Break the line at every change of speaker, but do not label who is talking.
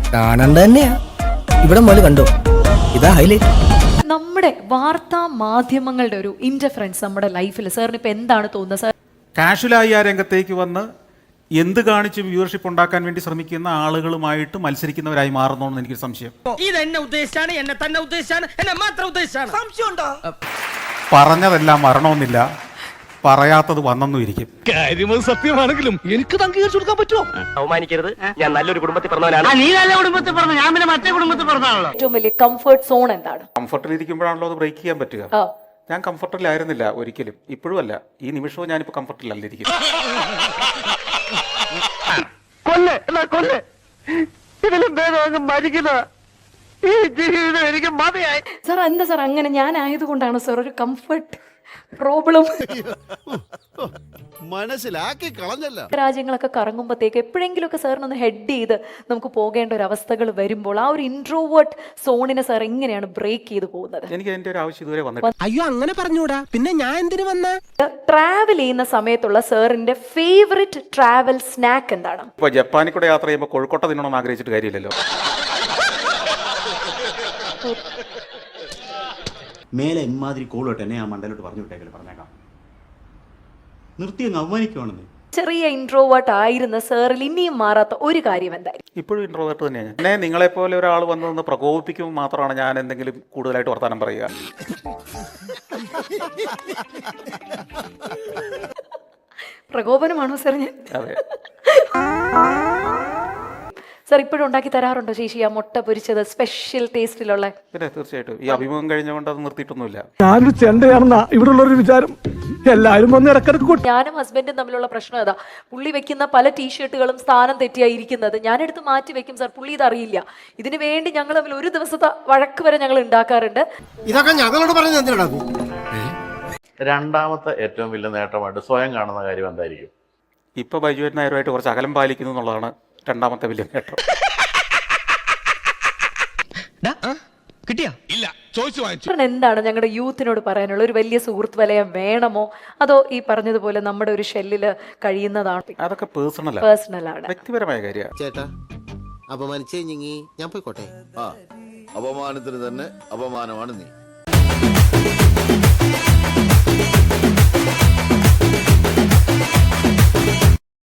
കാണണ്ട തന്നെയാ. ഇവിടെ മുതൽ കണ്ടോ, ഇതാ ഹൈലൈറ്റ്.
നമ്മുടെ വാർത്താ മാധ്യമങ്ങളുടെ ഒരു ഇന്റർഫറൻസ് നമ്മുടെ ലൈഫിൽ സാറിന് ഇപ്പൊ എന്താണ് തോന്നുന്നത് സാർ?
കാഷ്വലായി ആ രംഗത്തേക്ക് വന്ന് എന്ത് കാണിച്ചും വ്യൂവർഷിപ്പ് ഉണ്ടാക്കാൻ വേണ്ടി ശ്രമിക്കുന്ന ആളുകളുമായിട്ട് മത്സരിക്കുന്നവരായി മാറുന്നോന്ന് എനിക്ക് സംശയം.
ഇതെന്നെ ഉദ്ദേശിച്ചാണ്, എന്നെ തന്നെ ഉദ്ദേശിച്ചാണ്, എന്നെ മാത്രം ഉദ്ദേശിച്ചാണ്. സംശയമുണ്ടോ?
പറഞ്ഞതെല്ലാം വരണമെന്നില്ല, പറയാത്തത് വന്നെന്നും ഇരിക്കും.
കാര്യം സത്യമാണെങ്കിലും എനിക്ക് അംഗീകരിച്ചു കൊടുക്കാൻ പറ്റുമോ?
അവമാനിക്കരുത്, ഞാൻ നല്ലൊരു കുടുംബത്തിൽ പറഞ്ഞവനാണ്. നീ നല്ല കുടുംബത്തിൽ പറഞ്ഞു, ഞാൻ പിന്നെ മറ്റേ കുടുംബത്തിൽ പറഞ്ഞാണല്ലോ.
ഏറ്റവും വലിയ കംഫർട്ട് സോൺ എന്താണ്?
കംഫർട്ടിൽ ഇരിക്കുമ്പോഴാണല്ലോ അത് ബ്രേക്ക് ചെയ്യാൻ പറ്റുക. ഞാൻ കംഫർട്ടിലായിരുന്നില്ല ഒരിക്കലും, ഇപ്പോഴും അല്ല. ഈ നിമിഷവും ഞാനിപ്പോൾ കംഫർട്ടിലല്ല ഇരിക്കുന്നത്.
സാർ എന്താ സാർ അങ്ങനെ? ഞാൻ ആയതുകൊണ്ടാണ് സാർ ഒരു കംഫർട്ട് പ്രോബ്ലം.
മനസ്സിലാക്കി കളഞ്ഞല്ല.
രാജ്യങ്ങളൊക്കെ കറങ്ങുമ്പോഴത്തേക്ക് എപ്പോഴെങ്കിലുമൊക്കെ സാറിനൊന്ന് ഹെഡ് ചെയ്ത് നമുക്ക് പോകേണ്ട ഒരു അവസ്ഥകൾ വരുമ്പോൾ ആ ഒരു ഇൻട്രോവേർട്ട് സോണിനെ സാർ എങ്ങനെയാണ് ബ്രേക്ക് ചെയ്ത് പോകുന്നത്?
എനിക്ക് അതിന്റെ ഒരു ആവശ്യം ഇതുവരെ വന്നിട്ടില്ല.
അയ്യോ അങ്ങനെ പറഞ്ഞൂടാ, പിന്നെ ഞാൻ എന്തിനു വന്ന?
ട്രാവൽ ചെയ്യുന്ന സമയത്തുള്ള സാറിന്റെ ഫേവറിറ്റ് ട്രാവൽ സ്നാക്ക് എന്താണ്?
ഇപ്പൊ ജപ്പാനിൽ കൂടെ യാത്ര ചെയ്യുമ്പോൾ കോഴിക്കോട്ട തിന്നണമെന്ന് ആഗ്രഹിച്ചിട്ട് കാര്യമില്ലല്ലോ.
മേലെ ഇമാതിരി കോളോട്ട് എന്നെ ആ മണ്ടലോട്ട് പറഞ്ഞു വിട്ടേക്കല്, പറഞ്ഞേക്കാം. നിർത്തി അങ്ങ് അവമാനിക്കുവാണെന്ന്.
ചെറിയ ഇൻട്രോവേർട്ട് ആയിരുന്ന സാറിൽ ഇനിയും മാറാത്ത ഒരു കാര്യം എന്തായിരിക്കും?
ഇപ്പോഴും ഇൻട്രോവേർട്ട് തന്നെയാണ്. എന്നെ നിങ്ങളെപ്പോലെ ഒരാൾ വന്ന് പ്രകോപിപ്പിക്കുമ്പോൾ മാത്രമാണ് ഞാൻ എന്തെങ്കിലും കൂടുതലായിട്ട് വർത്താനം പറയുക.
പ്രകോപനമാണോ സാർ? ഞാൻ
അതെ.
സാർ ഇപ്പോഴും ഉണ്ടാക്കി തരാറുണ്ടോ ചേച്ചി ആ മുട്ട പൊരിച്ചത് സ്പെഷ്യൽ ടേസ്റ്റിലുള്ള?
പിന്നെ തീർച്ചയായിട്ടും ഈ അഭിമുഖം കഴിഞ്ഞുകൊണ്ട് അത് നിർത്തിയിട്ടൊന്നുമില്ല.
ഞാനൊരു ചെണ്ടയാണെന്നാ ഇവിടെ ഉള്ളൊരു വിചാരം. എല്ലാരും വന്ന് ഇടക്കിടക്ക്.
ഞാനും ഹസ്ബൻഡും തമ്മിലുള്ള പ്രശ്നം ഏതാ, പുള്ളി വെക്കുന്ന പല ടീഷർട്ടുകളും സ്ഥാനം തെറ്റിയായിരിക്കുന്നത് ഞാനെടുത്ത് മാറ്റി വെക്കും സാർ, പുള്ളി ഇതറിയില്ല. ഇതിനു വേണ്ടി ഞങ്ങൾ തമ്മിൽ ഒരു ദിവസത്തെ വഴക്ക് വരെ ഞങ്ങൾ ഉണ്ടാക്കാറുണ്ട്.
ഇതൊക്കെ ഞങ്ങളോട് പറഞ്ഞത് എന്തിനാ?
രണ്ടാമത്തെ ഏറ്റവും വലിയ നേട്ടമായിട്ട് സ്വയം കാണുന്ന കാര്യം എന്തായിരിക്കും?
ഇപ്പൊ ബൈജുവൻ നായരുമായിട്ട് കുറച്ച് അകലം പാലിക്കുന്നു എന്നുള്ളതാണ് രണ്ടാമത്തെ വലിയ നേട്ടം.
കിട്ടിയാ? ഇല്ല, ചോദിച്ചു വാങ്ങിച്ചു.
എന്താണ് ഞങ്ങളുടെ യൂത്തിനോട് പറയാനുള്ള? ഒരു വലിയ സുഹൃത്ത് വലയം വേണമോ, അതോ ഈ പറഞ്ഞതുപോലെ നമ്മുടെ ഒരു ഷെല്ലില് കഴിയുന്നതാണ്?
അതൊക്കെ പേഴ്സണലാണ്, വ്യക്തിപരമായ കാര്യമാണ്.
ചേട്ടാ അപമാനിച്ചേ ഞാൻ പോയിക്കോട്ടെ.
അപമാനത്തിന് തന്നെ അപമാനമാണ് നീ.